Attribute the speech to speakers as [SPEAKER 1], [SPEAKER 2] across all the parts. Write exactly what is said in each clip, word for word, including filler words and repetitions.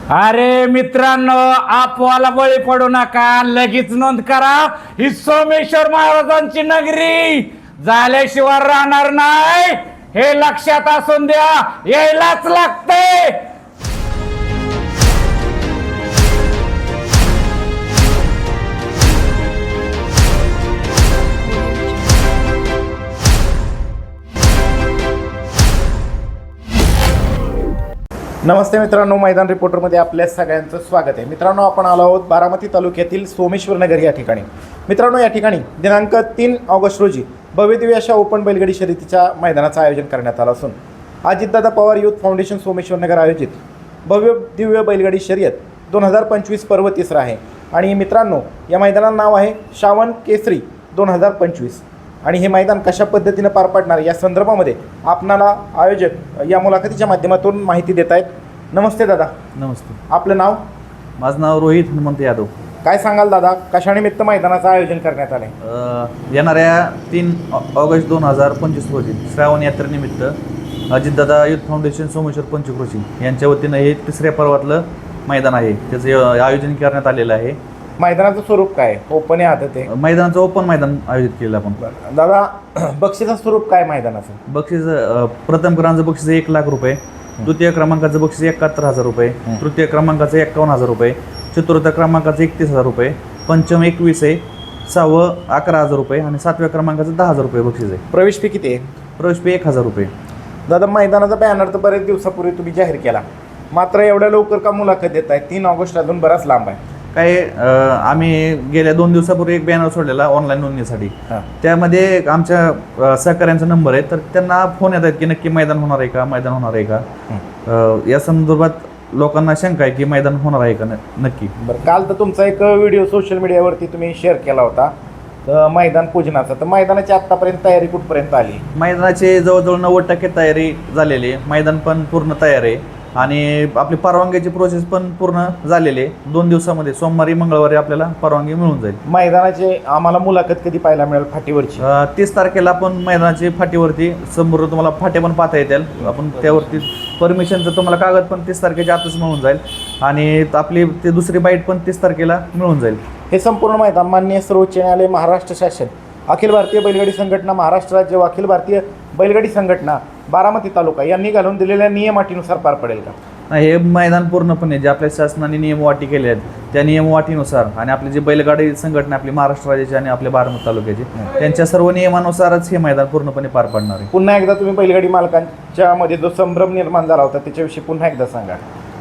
[SPEAKER 1] अरे मित्रांनो, आपवाला बळी पडू नका, लगेच नोंद करा। ही सोमेश्वर महाराजांची नगरी झाल्याशिवाय राहणार नाही, हे लक्षात असून द्या, यायलाच लागते।
[SPEAKER 2] नमस्ते मित्रांनो, मैदान रिपोर्टरमध्ये आपल्या सगळ्यांचं स्वागत आहे। मित्रांनो, आपण आलो आहोत बारामती तालुक्यातील सोमेश्वर नगर या ठिकाणी। मित्रांनो, या ठिकाणी दिनांक तीन ऑगस्ट रोजी भव्यदिव्य अशा ओपन बैलगाडी शर्यतीच्या मैदानाचं आयोजन करण्यात आलं असून अजितदादा पवार युथ फाउंडेशन सोमेश्वर नगर आयोजित भव्य दिव्य बैलगाडी शर्यत दोन हजार पंचवीस पर्व तिसरा आहे। आणि मित्रांनो, या मैदानाचं नाव आहे श्रावण केसरी दोन हजार पंचवीस। आणि हे मैदान कशा पद्धतीनं पार पडणार या संदर्भामध्ये आपणाला आयोजक या मुलाखतीच्या माध्यमातून माहिती देत आहेत। नमस्ते दादा।
[SPEAKER 3] नमस्ते।
[SPEAKER 2] आपलं नाव?
[SPEAKER 3] माझं नाव रोहित हनुमंत यादव।
[SPEAKER 2] काय सांगाल दादा, कशानिमित्त मैदानाचं आयोजन करण्यात आले?
[SPEAKER 3] येणाऱ्या तीन ऑगस्ट दोन हजार पंचवीस रोजी श्रावण यात्रेनिमित्त अजितदादा युथ फाउंडेशन सोमेश्वर पंचक्रोशी यांच्या वतीनं हे तिसऱ्या पर्वातलं मैदान आहे, त्याचं आयोजन करण्यात आलेलं आहे।
[SPEAKER 2] मैदानाचं स्वरूप काय? ओपन आहे आदत आहे?
[SPEAKER 3] मैदानाचं ओपन मैदान आयोजित केलं आपण।
[SPEAKER 2] दादा, बक्षिसाचं स्वरूप काय मैदानाचं?
[SPEAKER 3] बक्षीस प्रथम क्रमांकाचं बक्षीस एक लाख रुपये, द्वितीय क्रमांकाचं बक्षीस एकाहत्तर हजार रुपये, तृतीय क्रमांकाचं एक्कावन्न हजार रुपये, चतुर्थ क्रमांकाचं एकतीस हजार रुपये, पंचम एकवीस आहे, सहावं अकरा हजार रुपये आणि सातव्या क्रमांकाचं दहा हजार रुपये बक्षीस आहे।
[SPEAKER 2] प्रवेश फी किती आहे?
[SPEAKER 3] प्रवेश फी एक हजार रुपये।
[SPEAKER 2] दादा, मैदानाचा बॅनर तर बरेच दिवसापूर्वी तुम्ही जाहीर केला, मात्र एवढ्या लवकर का मुलाखत देत आहे? तीन ऑगस्ट अजून बराच लांब आहे।
[SPEAKER 3] काय, आम्ही गेल्या दोन दिवसापूर्वी एक बॅनर सोडलेला ऑनलाईन नोंदणीसाठी, त्यामध्ये आमच्या सहकाऱ्यांचा नंबर आहे, तर त्यांना फोन येत आहेत की नक्की मैदान होणार आहे का, मैदान होणार आहे का, या संदर्भात लोकांना शंका आहे की मैदान होणार आहे का नक्की।
[SPEAKER 2] बरं, काल तर तुमचा एक व्हिडिओ सोशल मीडियावरती तुम्ही शेअर केला होता तर मैदान पूजनाचा, तर मैदानाची आत्तापर्यंत तयारी कुठपर्यंत आली?
[SPEAKER 3] मैदानाची जवळजवळ नव्वद टक्के तयारी झालेली आहे, मैदान पण पूर्ण तयार आहे आणि आपली परवानगीची प्रोसेस पण पूर्ण झालेली आहे। दोन दिवसामध्ये सोमवारी मंगळवारी आपल्याला परवानगी मिळून जाईल।
[SPEAKER 2] मैदानाचे आम्हाला मुलाखत कधी पाहायला मिळेल फाटीवरची?
[SPEAKER 3] तीस तारखेला आपण मैदानाची फाटीवरती समोर तुम्हाला फाटे पण पाहता येतील, आपण त्यावरती परमिशनचं तुम्हाला कागद पण तीस तारखेच्या आतच मिळून जाईल आणि आपली ते दुसरी बाईट पण तीस तारखेला मिळून जाईल।
[SPEAKER 2] हे संपूर्ण मैदान माननीय सर्वोच्च न्यायालय, महाराष्ट्र शासन, अखिल भारतीय बैलगाडी संघटना, महाराष्ट्र राज्य व अखिल भारतीय बैलगाडी संघटना बारामती तालुका यांनी घालून दिलेल्या नियमाटीनुसार पार पडेल का?
[SPEAKER 3] हे मैदान पूर्णपणे जे आपल्या शासनाने नियमवाटी केले आहेत त्या नियमवाटीनुसार आणि आपली जी बैलगाडी संघटना आपली महाराष्ट्र राज्याची आणि आपल्या बारामती तालुक्याची त्यांच्या सर्व नियमानुसारच हे मैदान पूर्णपणे पार पडणार आहे।
[SPEAKER 2] पुन्हा एकदा तुम्ही बैलगाडी मालकांच्या मध्ये जो संभ्रम निर्माण झाला होता त्याच्याविषयी पुन्हा एकदा सांगा।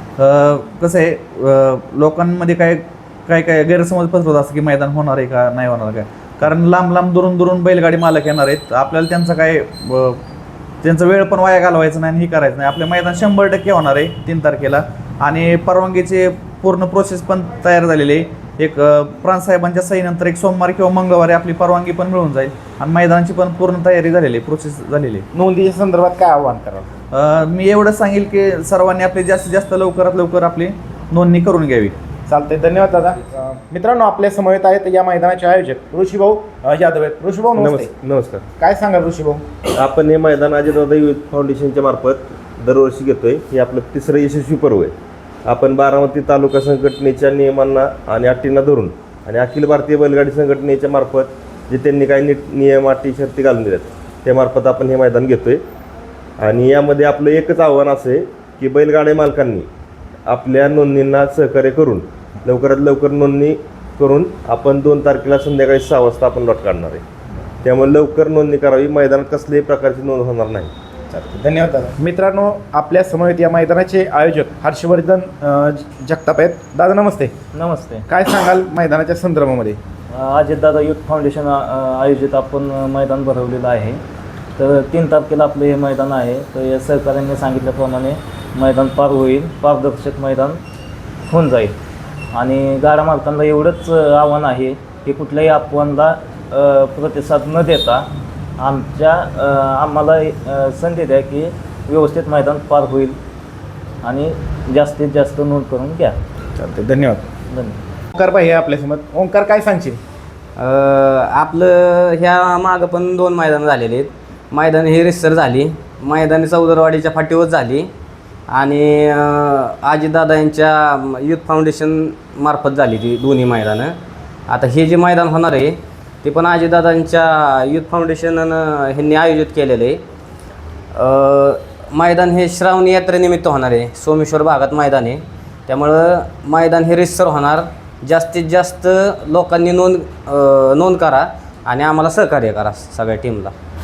[SPEAKER 3] कसं आहे, लोकांमध्ये काय काय काय गैरसमज पसरवत असं की मैदान होणार आहे का नाही होणार काय, कारण लांब लांब दुरून दुरून बैलगाडी मालक येणार आहेत, आपल्याला त्यांचा काय त्यांचा वेळ पण वाया घालवायचा नाही आणि हे करायचं नाही। आपले मैदान शंभर टक्के होणार आहे तीन तारखेला आणि परवानगीचे पूर्ण प्रोसेस पण तयार झालेली आहे। एक प्रांतसाहेबांच्या सहीनंतर एक सोमवारी किंवा मंगळवारी आपली परवानगी पण मिळून जाईल आणि मैदानाची पण पूर्ण तयारी झालेली आहे, प्रोसेस झालेली आहे।
[SPEAKER 2] नोंदीच्या संदर्भात काय आव्हान कराल?
[SPEAKER 3] मी एवढंच सांगेल की सर्वांनी आपली जास्तीत जास्त लवकरात लवकर आपली नोंदणी करून घ्यावी।
[SPEAKER 2] चालते, धन्यवाद दादा। मित्रांनो, आपल्या समवेत आहेत या मैदानाचे आयोजक ऋषीभाऊ यादव आहेत। ऋषीभाऊ नमस्ते।
[SPEAKER 4] नमस्कार।
[SPEAKER 2] काय सांगाल ऋषीभाऊ?
[SPEAKER 4] आपण हे मैदान अजितदादा युथ फाउंडेशनच्या मार्फत दरवर्षी घेतोय, हे आपलं तिसरं यशस्वी पर्व आहे। आपण बारामती तालुका संघटनेच्या नियमांना आणि अटींना धरून आणि अखिल भारतीय बैलगाडी संघटनेच्या मार्फत जे त्यांनी काही नीट नियम अटी शर्ती घालून दिल्यात त्यामार्फत आपण हे मैदान घेतोय। आणि यामध्ये आपलं एकच आव्हान असं आहे की बैलगाडी मालकांनी आपल्या नोंदणींना सहकार्य करून लवकरात लवकर नोंदणी करून आपण दोन तारखेला संध्याकाळी सहा वाजता आपण लॉट काढणार आहे, त्यामुळे लवकर नोंदणी करावी, मैदानात कसल्याही प्रकारची नोंद होणार नाही।
[SPEAKER 2] चालते, धन्यवाद दादा। मित्रांनो, आपल्या समवेत या मैदानाचे आयोजक हर्षवर्धन जगताप आहेत। दादा नमस्ते।
[SPEAKER 5] नमस्ते।
[SPEAKER 2] काय सांगाल मैदानाच्या संदर्भामध्ये?
[SPEAKER 5] अजितदादा युथ फाउंडेशन आयोजित आपण मैदान भरवलेलं आहे, तर तीन तारखेला आपलं हे मैदान आहे। तर या सहकार्याने सांगितल्याप्रमाणे मैदान पार होईल, पारदर्शक मैदान होऊन जाईल आणि गाडा मालकांना एवढंच आव्हान आहे की कुठल्याही अफवांना प्रतिसाद न देता आमच्या आम्हाला संधी द्या की व्यवस्थित मैदान पार होईल आणि जास्तीत जास्त नोंद करून घ्या।
[SPEAKER 2] चालते, धन्यवाद।
[SPEAKER 5] धन्यवाद।
[SPEAKER 2] ओंकार भाई आपल्यासमोर। ओंकार, काय सांगशील?
[SPEAKER 6] आपलं ह्या मागं पण दोन मैदानं झालेली आहेत। मैदान हे रिसर झाली, मैदानी चौदरवाडीच्या फाटीवर झाली आणि आजीदादा यांच्या युथ फाउंडेशन मार्फत झाली ती दोन्ही मैदानं. आता हे जे मैदान होणार आहे ते पण आजीदादांच्या युथ फाउंडेशननं ह्यांनी आयोजित केलेलं आहे. मैदान हे श्रावणी यात्रेनिमित्त होणार आहे. सोमेश्वर भागात मैदान आहे, त्यामुळं मैदान हे रितसर होणार. जास्तीत जास्त लोकांनी नोंद नोंद करा आणि आम्हाला सहकार्य करा सगळ्या टीमला.